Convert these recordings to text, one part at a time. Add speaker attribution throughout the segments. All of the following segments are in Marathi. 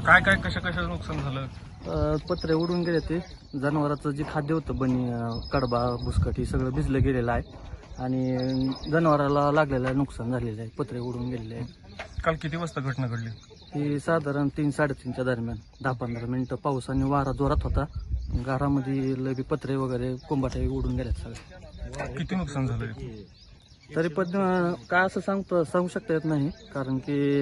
Speaker 1: काय काय कशा नुकसान झालं?
Speaker 2: पत्रे उडून गेले ते. जनावराचं जे खाद्य होतं बनी, कडबा बुसकट हे सगळं भिजलं गेलेलं आहे आणि जनावराला लागलेलं नुकसान झालेलं आहे. पत्रे उडून गेलेले आहेत.
Speaker 1: काल किती वाजता घटना घडली?
Speaker 2: ही साधारण 3-3:30च्या दरम्यान 10-15 मिनिटं पाऊस आणि वारा जोरात होता. घरामध्ये लबी पत्रे वगैरे कोंबाटे उडून गेल्यात सगळे.
Speaker 1: किती नुकसान झालं?
Speaker 2: तरी पण काय असं सांगू शकता येत नाही, कारण की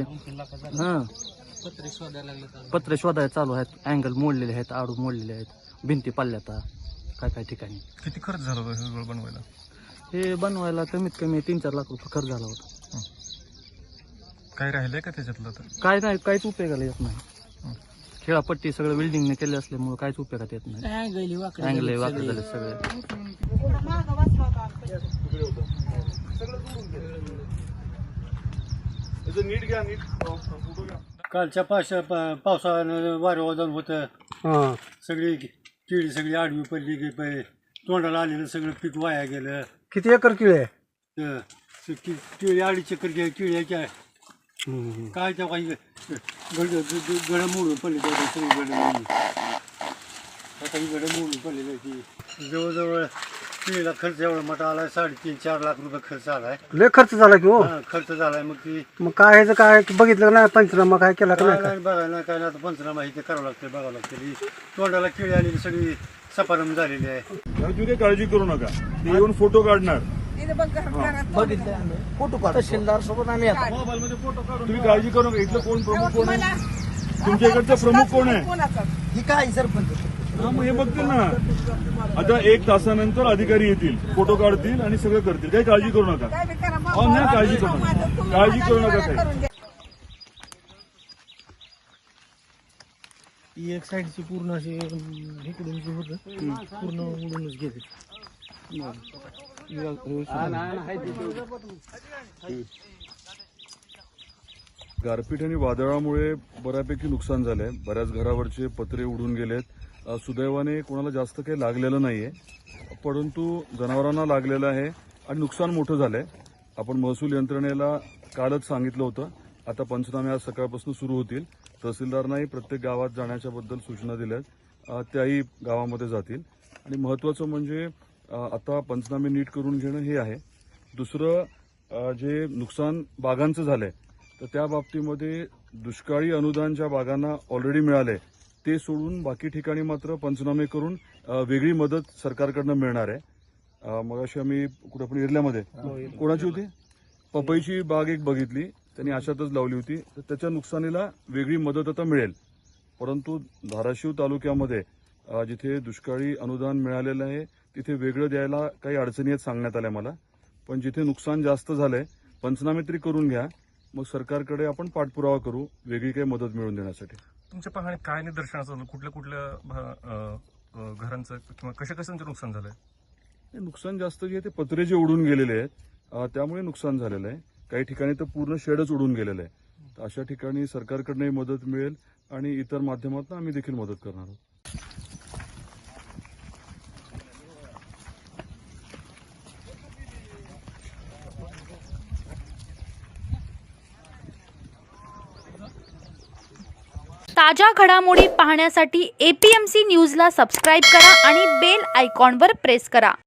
Speaker 2: पत्रे शोधायला चालू आहेत. अँगल मोडलेले आहेत, आडू मोडलेले आहेत, भिंती पाडल्यात काय ठिकाणी.
Speaker 1: किती खर्च झाला होता हे सगळं बनवायला?
Speaker 2: हे बनवायला कमीत कमी 3-4 लाख रुपये खर्च झाला होता.
Speaker 1: काय राहिलंय का त्याच्यातलं? तर
Speaker 2: काय नाही, काहीच उपयोगाला येत नाही. खेळापट्टी सगळं बिल्डिंगने केले असल्यामुळे काहीच उपयोगात येत नाही. अँगल वाकडे झाले सगळे.
Speaker 3: कालच्या पावसानं वारं वादळ होतं. सगळी केळी सगळी आडवी पडली की तोंडाला आलेलं सगळं पीक वाया गेलं.
Speaker 4: किती एकर केळी आहे?
Speaker 3: केळी 2.5 एकर केळीच्या काय त्या काही गड मोडून पडले. सगळी गड मोडून आता ही गड मोडून पडलेली ती. जवळजवळ केळीला खर्च एवढा मोठा आलाय, 3.5-4 लाख रुपये खर्च आलाय.
Speaker 4: लय खर्च झाला की हो.
Speaker 3: खर्च झालाय. मग
Speaker 4: काय ह्याचं काय बघितलं नाही? पंचनामा काय केला का नाही?
Speaker 3: बघायला काय नाही. आता पंचनामा हे करावं लागतं, बघावं लागतं. तोंडाला केळी आलेली सगळी सपारम झालेली आहे.
Speaker 5: तुम्ही काही काळजी करू नका, ते येऊन फोटो काढणार.
Speaker 2: तहसीलदार सोबत आम्ही
Speaker 5: तुम्ही काळजी करू नका. इथलं कोण प्रमुख कोण आहे? तुमच्या इकडचा प्रमुख कोण आहे?
Speaker 2: काय सरपंच?
Speaker 5: हा, मग हे बघतील ना. आता 1 तासानंतर अधिकारी येतील, फोटो काढतील आणि सगळं करतील. काही काळजी करू नका. नाही, काळजी करू नका, काळजी करू नका काही.
Speaker 2: एक साईडची पूर्ण अशी इकडून जे होतं पूर्ण उडूनच गेले.
Speaker 5: गारपीट आणि वादळामुळे बऱ्यापैकी नुकसान झालंय. बऱ्याच घरावरचे पत्रे उडून गेलेत. सुदैवाने कोणाला जास्त काही लागलेलं नाहीये, परंतु जनावरांना लागलेलं आहे आणि नुकसान मोठं झालंय. आपण महसूल यंत्रणेला कालच सांगितलं होतं. आता पंचनामे आज सकाळपासून सुरू होतील. तहसीलदारांनाही प्रत्येक गावात जाण्याच्या बद्दल सूचना दिल्यात, त्याही गावामध्ये जातील. आणि महत्त्वाचं म्हणजे आता पंचनामे नीट करून घेणं हे आहे. दुसरं जे नुकसान बागांचं झालंय, तर त्या बाबतीमध्ये दुष्काळी अनुदान ज्या बागांना ऑलरेडी मिळालंय ते सोडून बाकी ठिकाणी मात्र पंचनामे करून वेगळी मदत सरकारकडनं मिळणार आहे. मग अशी आम्ही कुठं पण एरियामध्ये कोणाची होती पपईची बाग एक बघितली, त्यांनी अशातच लावली होती, तर त्याच्या नुकसानीला वेगळी मदत आता मिळेल. परंतु धाराशिव तालुक्यामध्ये जिथे दुष्काळी अनुदान मिळालेलं आहे तिथे वेगळं द्यायला काही अडचणी आहेत सांगण्यात आल्या मला. पण जिथे नुकसान जास्त झालंय पंचनामे तरी करून घ्या, मग सरकारकडे आपण पाठपुरावा करू वेगळी काही मदत मिळवून देण्यासाठी.
Speaker 1: तुमच्या पाहणी काय निदर्शनास आलं? कुठल्या घरांचं किंवा कशांचं नुकसान झालंय?
Speaker 5: नुकसान जास्त जे आहे ते पत्रे जे उडून गेलेले आहेत त्यामुळे नुकसान झालेलं आहे. काही ठिकाणी तर पूर्ण शेडच उडून गेलेलं आहे. तर अशा ठिकाणी सरकारकडनंही मदत मिळेल आणि इतर माध्यमातून आम्ही देखील मदत करणार आहोत.
Speaker 6: ताज्या घडामोडी पाहण्यासाठी APMC न्यूजला सबस्क्राईब करा आणि बेल आयकॉनवर प्रेस करा.